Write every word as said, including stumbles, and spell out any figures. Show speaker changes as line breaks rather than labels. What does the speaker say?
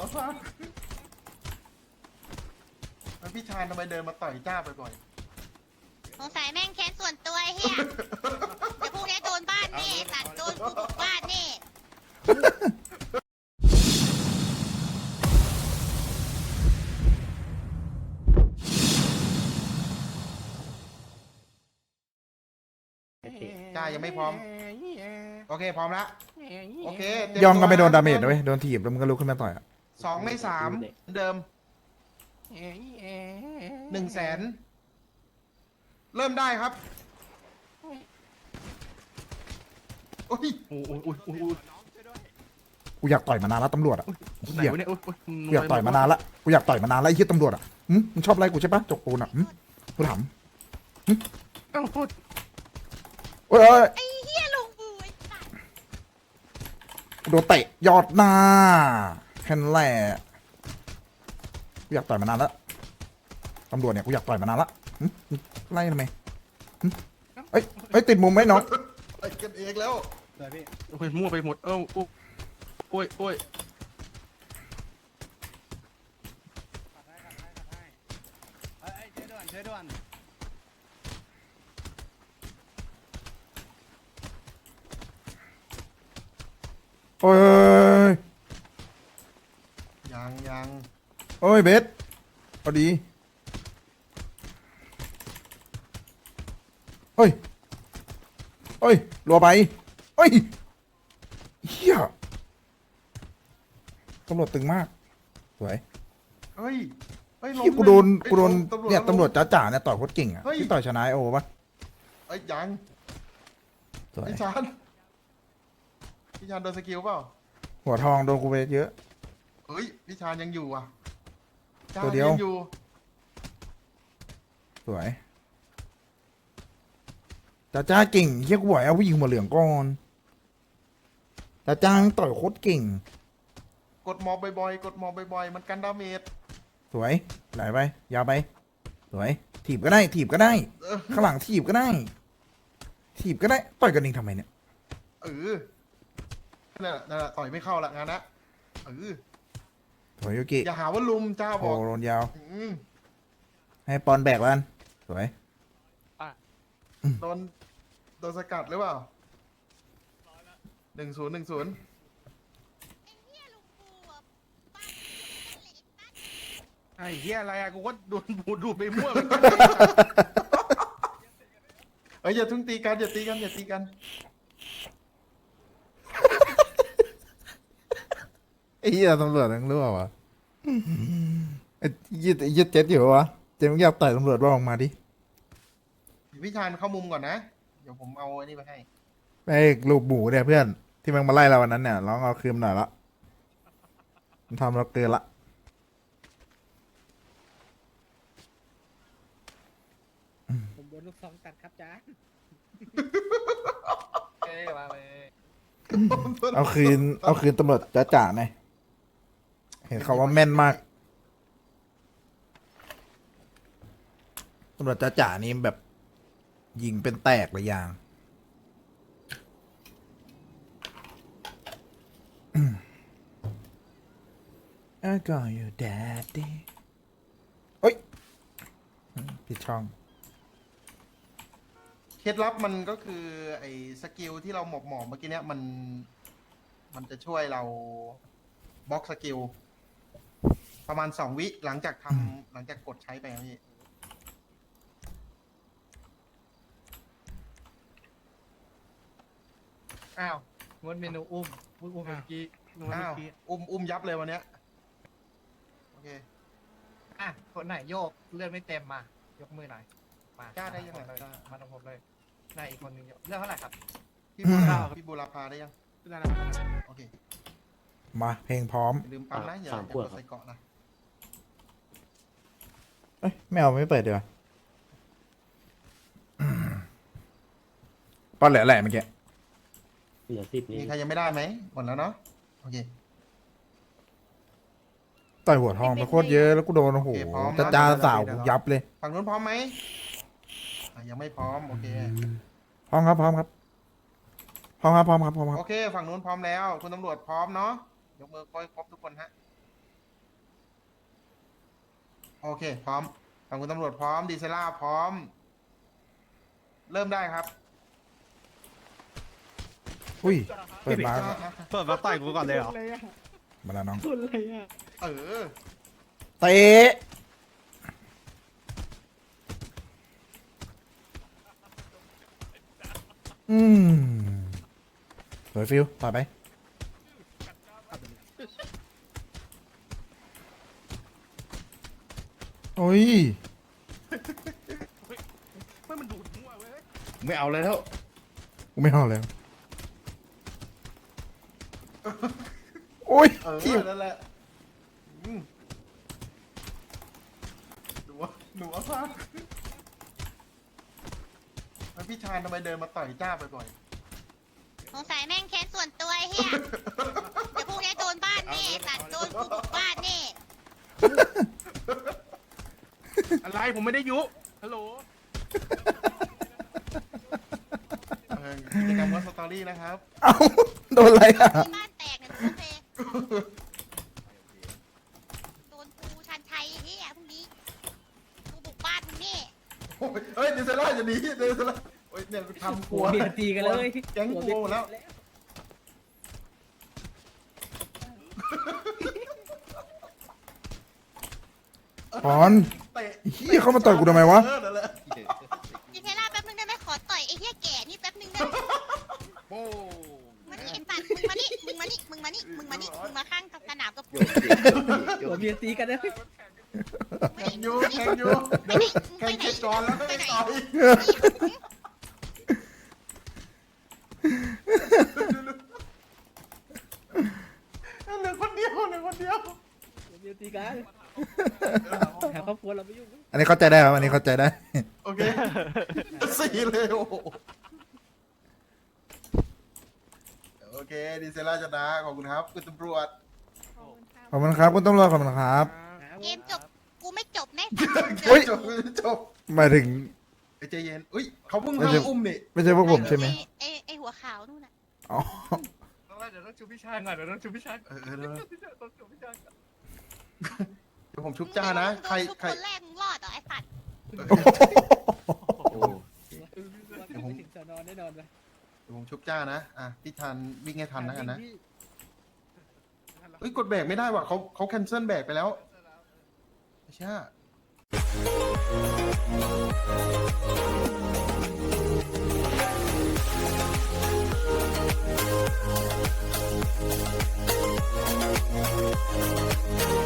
แล้วพี่ชายทำไมเดินมาต่อยจ้าบ่อย
สงสัยแม่งแค้นส่วนตัวไอ้เฮียเดี๋ยวพวกนี้โดนบ้านนี่ตัดโดนกูบุกบ้านนี่
ๆจ้ายังไม่พร้อมโอเคพร้อมแล้วโอเคเตรี
ยองก็ไม่โดนดาเมจนะเว้ยโดนถีบแล้วมันก็ลุกขึ้นมาต่อยอ่ะ
สองไม่สามเดิมหนึ่งแสนเริ่มได้ครับโอ้ย
โอ้ยโอ้ยโอ้ยโอ้ย
กูอยากต่อยมานานแล้วตำรวจอ่ะ
ไหน
เหี้ยว
ะเนี่ยโอ้ยโอ้ย
กูอยากต่อยมานานละกูอยากต่อยมานานแล้วไอ้เหี้ยตำรวจอ่ะหึมึงชอบไล่กูใช่ปะจกปูนอ่ะหึกูถาม
เอ้าโทษ
โอ้ยโอ้ย
ไอ้เฮียลุงบูไอ้สัตว์
โดนเตะยอดหน้าแค่นั้นแหละกูอยากต่อยมานานแล้วตำรวจเนี่ยกูอยากต่อยมานานละหึมึงไล่ทำไมหึเอ้ยเอ้ยติดมุมไหมน้อง
ไปกันเองแล้ว
โอ้ยมั่วไปหมดเอ้าโอ้ยโอ้ยโอ้ย
โอ้ย
ยังยัง
โอ้ยเบสพอดีเฮ้ยเฮ้ยรัวไปเฮ้ยเฮียตำรวจตึงมากสวย
เฮ้ยเฮ้ยล้ม
ที่กูโดน
เฮ้ย
กูโดน
ตำรวจ
เนี่ย
ล้ม
ตำรวจจ๋าๆเนี่ยต่อยโคตรเก่งอ่ะ
เฮ้ย
ที่ต่อยชนะไอโอปะ
เอ้ยยัง
สวย
พี่ชานพี่ชานโดนสกิลเปล่า
หัวทองโดนกูไปเยอะ
เฮ้ยพี่ชานยังอยู่อ่ะจ้า
ตัวเดียว
ยังอยู่
สวยจ๋าจ้าเก่งเฮียกูบอกให้เอาผู้หญิงหัวเหลืองก่อนจ๋าจ้ามันต่อยโคตรเก่ง
กดหมอบบ่อยๆกดหมอบบ่อยๆมันกันดาเมจ
สวยไหลไปยาวไปสวยถีบก็ได้ถีบก็ได้
เออ
ข้างหลังถีบก็ได้ ถีบก็ได้ต่อยกันเองทำไมเนี่ย
เออนั่นแหละนั่นแหละต่อยไม่เข้าละงานนะเออ
สวยโยกิ
อย่าหาว่าลุมจ้าบ
โอ้
อก
โดนยาว
อืม
ให้ปอนแบกแล้วกันสวย
โดนโดนสกัดหรือเปล่าหนึ่งศูนย์หนึ่งศูนย์
ไอ้เฮียลุงบูอะบ้านเละบ้าน
ไอ้เหี้ยอะไรอะกูก็โดนบูดดูดไปมั่วเหมือนกัน
เอ้ยอย่าทุ่งตีกันอย่าตีกันอย่าตีกัน
ไอ้เหี้ยตำรวจทั้งรั่ววะไอ้ยี่ไอ้ยี่เจ็ดอยู่วะเจ็ดมึงอยากต่อยตำรวจบ้างออกมาดิ
พี่ชานเข้ามุมก่อนนะเดี๋ยวผมเอาอันนี้ไปให้
ไอ้ลูกหมูเนี่ยเพื่อนที่มันมาไล่เราวันนั้นเนี่ยร้องเอาคืนหน่อยละมันทำเราเกินละ
ผมโดนลูกซองตัดครับจ้า
เอ้ยมาเลย
เอาคืนเอาคืนตำรวจจ๋าจ๋าหน่อยเห็นเขาว่าแม่นมากตำรวจจ๋าจ๋านี่แบบยิงเป็นแตกเลยยาง I got you daddy เอ้ยผิดช่อง
เคล็ดลับมันก็คือไอ้สกิลที่เราหมอบหมอบเมื่อกี้เนี้ยมัน มันจะช่วยเราบล็อกสกิลประมาณสองวิหลังจากทำหลังจากกดใช้ไปครับพี่
อ้าวงดเมนูอุ้มอุ้มอุ้มเมื่อกี้
นึกว่า
อ้าว
เมื่อกี้
อุ้มอุ้มยับเลยวันเนี้ยโอเค
อ่ะคนไหนโยกเลือดไม่เต็มมายกมือหน่อยมาก
ล้าได้ยังไง
เลย
กล้า
มาตรงผมเลยนายอีกคนนึงโยกเลือดเท่าไหร่ครับ
พี่บูราพี่บูราพาได้ยัง
ได้แล้วได้แล้ว
โอเค
มาเพลงพร้อม
อย่าลืมปั๊มนะอย่าอย่ากดใส่เกาะนะ
เอ้ยไม่เอาไม่เปิดเดี๋ยวาป้อนแหละแหละเมื่อกี้
เหลือสิบนี่
มีใครยังไม่ได้ไหมหมดแล้วเนาะโอเค
ต่อยหัวทองไปโคตรเยอะแล้วกูโดนโอ้โห
โอเคพร้อม
จ้าจ้าสาวกูยับเลย
ฝั่งนู้นพร้อมไหมอ่ะยังไม่พร้อมโอเค
พร้อมครับพร้อมครับพร้อมครับพร้อมครับพร้อมครับ
โอเค ฝั่งนู้นพร้อมแล้ว คุณตำรวจพร้อมเนาะ ยกมือค่อยครบทุกคนฮะโอเค พร้อมทางคุณตำรวจพร้อม ดีเซล่าพร้อม เริ่มได้ครับ
อุ้ย เปิดมา
เปิดมาต่อยกูก่อนเลยเหรอ
มาแล้วน้อง
เออ
เตะอืมสวยฟิวต่อไป โอ้ย
ไม่มันดูดมั่วเว้ย
ไม่เอาเลยแล้ว
กูไม่เอาแล้ว โอ้ย
เออ
ที่
นั่นแหละอืมหนูว่าหนูว่าพลาดแล้วพี่ชายทำไมเดินมาต่อยจ้าบ่อย
สงสัยแม่งแค้นส่วนตัวไอ้เฮียเดี๋ยวพรุ่งนี้โดนบ้านแน่สัตว์โดนกูบุกบ้านแน่
อะไรผมไม่ได้ยุฮัลโหล
ๆเออกิจกรรมวัดสตอรี่นะครับ
เอ้า โดนอะไรอ่ะ
ที่บ้านแตกเนี่ยโอเคโดนกูชันชัยไอ้เฮียพรุ่งนี้กูบุกบ้านมึงแน่
โอ้ยเฮ้ยดีเซล่าอย่าหนีดีเซล่าโอ้ยเนี่ยทำกลัว
หัวเบียดตีกันเลย
แก๊งกลัวหมดแล้ว
ปอน
เตะ
เหี้ยเข้ามาต่อยกูทำไมวะ
เออนั่นแหละ
ดิเทล่าแป๊บนึงได้ไหมขอต่อยไอ้เฮียแก่นี่แป๊บนึงได้ไหม
โอ้
มานี่ไอ้สัตว์มึงมานี่มึงมานี่มึงมานี่มึงมานี่มึงมาข้างกับสนามกับกู
หัวเบียดตีกันเลย
แข่งอยู่แข่งอยู่
ไปไหนมึง
แข่
ไป
ง
ไหน
เสร็จก่อนแล้ว
ไป
ไม่
ไหน
ต่อยเหลือคนเดียวเหลือคนเดียว
หัวเบียดตีกันหาครอบครัวเราไม่ยุ่ง
อันนี้เข้าใจได้ครับ อันนี้เข้าใจได้
โอเคสี่เลยโอ้โหโอเคดีเซล่าชนะขอบคุณครับคุณตำรวจ
ขอบคุณครับคุณตำรวจขอบคุณครับ
เกมจบกูไม่จบแน่
เฮ้ย
จบจบ
หมายถึง
ไอ้ใจเย็นอุ้ยเขาเพิ่ง
ไม่ใช่
ห้ามอุ้มนี่
ไม่ใช่พวกผมใช่ไหม
ไอ้ไอ้หัวขาวนู่นน่ะ
อ๋อ
เดี๋ยวต้องชูพี่ชายก่อนเดี๋ยวต้องชูพี่ชาย
เออเออเออ
ต้องชูพี่ชายก่อน
เดี๋ยวผมชุบจ้านะใคร
ทุก
ใคร
คนแรกมึงรอดเหรอไอ้สัตว์
โอ้
เดี๋ยวผมถึงสอนอนแน่นอนไป
เดี๋ยวผมชุบจ้านะอ่ะพี่ทันวิ่งให้ทันนะกันนะเฮ้ยกดแบกไม่ได้ว่ะเขาเขาแคนเซิลแบกไปแล้วไม่ใช่
เ